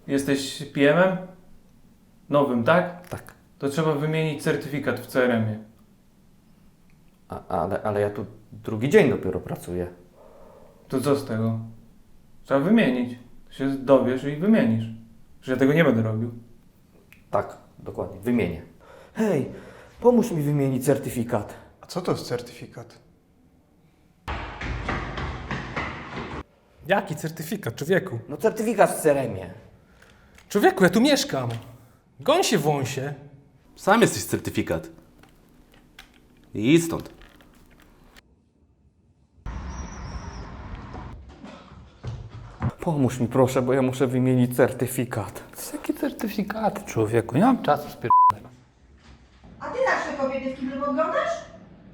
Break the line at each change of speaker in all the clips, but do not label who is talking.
Jesteś PM-em? Nowym, tak?
Tak.
To trzeba wymienić certyfikat w CRM-ie.
Ale ja tu drugi dzień dopiero pracuję.
To co z tego? Trzeba wymienić. Się dowiesz i wymienisz. Że ja tego nie będę robił.
Tak, dokładnie, wymienię. Hej, pomóż mi wymienić certyfikat.
A co to jest certyfikat?
Jaki certyfikat, człowieku?
No certyfikat w CRM-ie.
Człowieku, ja tu mieszkam. Goń się wąsie.
Sam jesteś certyfikat. I idź stąd.
Pomóż mi proszę, bo ja muszę wymienić certyfikat.
Jakie certyfikaty, człowieku? Nie mam czasu
A ty zawsze kobiety w kiblu oglądasz?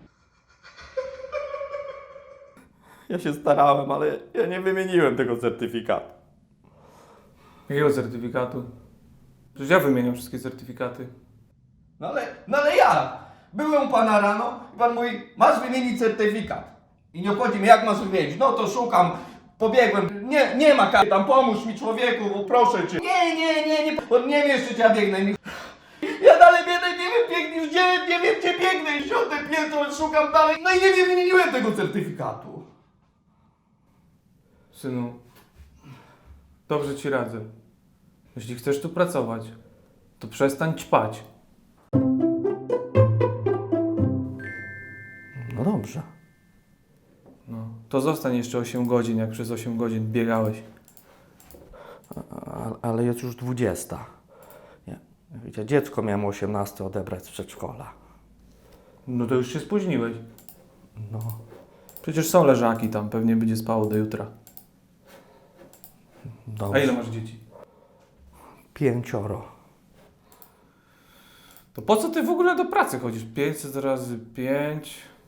Ja się starałem, ale ja nie wymieniłem tego certyfikatu.
Jakiego certyfikatu? Przecież ja wymieniam wszystkie certyfikaty.
No ale ja byłem u pana rano i pan mówi, masz wymienić certyfikat. I nie obchodzi mnie, jak masz wymienić. No to szukam, pobiegłem. Nie ma karty tam, pomóż mi człowieku, bo proszę cię. Nie. On nie wie jeszcze, gdzie ja biegnę. Ja dalej biegnę, nie wiem, nie wiem, gdzie biegnę. 10 piętro, szukam dalej. No i nie wymieniłem tego certyfikatu.
Synu, dobrze ci radzę. Jeśli chcesz tu pracować, to przestań ćpać.
No dobrze.
No, to zostań jeszcze 8 godzin, jak przez 8 godzin biegałeś.
Ale jest już 20. Wiecie, dziecko miałem 18 odebrać z przedszkola.
No to już się spóźniłeś.
No,
Przecież są leżaki tam, pewnie będzie spało do jutra. A
dobrze.
ile masz dzieci?
5.
To po co ty w ogóle do pracy chodzisz? 500 razy 5...